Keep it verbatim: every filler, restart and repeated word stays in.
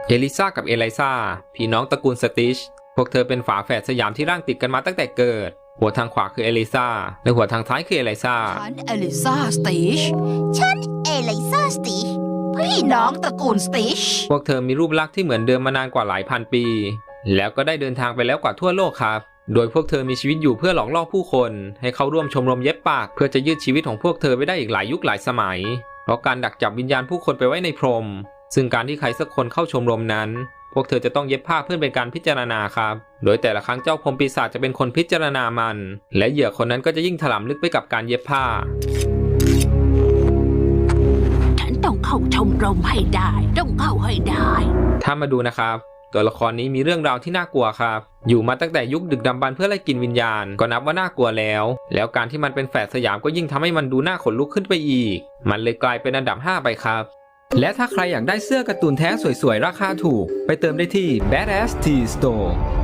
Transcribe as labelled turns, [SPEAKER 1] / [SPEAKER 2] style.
[SPEAKER 1] เอลิซากับเอไลซาพี่น้องตระกูลสติชพวกเธอเป็นฝาแฝดสยามที่ร่างติดกันมาตั้งแต่เกิดหัวทางขวาคือเอลิซาและหัวทางซ้ายคือเอไลซา
[SPEAKER 2] ฉันเอลิซาสติชฉันเอลิซาสติชพี่น้องตระกูลสติช
[SPEAKER 1] พวกเธอมีรูปลักษณ์ที่เหมือนเดิมมานานกว่าหลายพันปีแล้วก็ได้เดินทางไปแล้วกว่าทั่วโลกครับโดยพวกเธอมีชีวิตอยู่เพื่อหลอกล่อผู้คนให้เข้าร่วมชมรมเย็บปากเพื่อจะยืดชีวิตของพวกเธอไปได้อีกหลายยุคหลายสมัยเพราะการดักจับวิญญาณผู้คนไปไว้ในพรมซึ่งการที่ใครสักคนเข้าชมรมนั้นพวกเธอจะต้องเย็บผ้าเพื่อเป็นการพิจารณาครับโดยแต่ละครั้งเจ้าพรหมปีศาจจะเป็นคนพิจารณามันและเหยื่อคนนั้นก็จะยิ่งถลำลึกไปกับการเย็บผ้า
[SPEAKER 2] ฉันต้องเข้าชมรมให้ได้ต้องเข้าให้ได้
[SPEAKER 1] ถ้ามาดูนะครับตัวละครนี้มีเรื่องราวที่น่ากลัวครับอยู่มาตั้งแต่ยุคดึกดำบรรพ์เพื่อไล่กินวิญญาณก็นับว่าน่ากลัวแล้วแล้วการที่มันเป็นแฝดสยามก็ยิ่งทำให้มันดูน่าขนลุกขึ้นไปอีกมันเลยกลายเป็นอันดับห้าไปครับและถ้าใครอยากได้เสื้อการ์ตูนแท้สวยๆราคาถูกไปเติมได้ที่ Badass Tea Store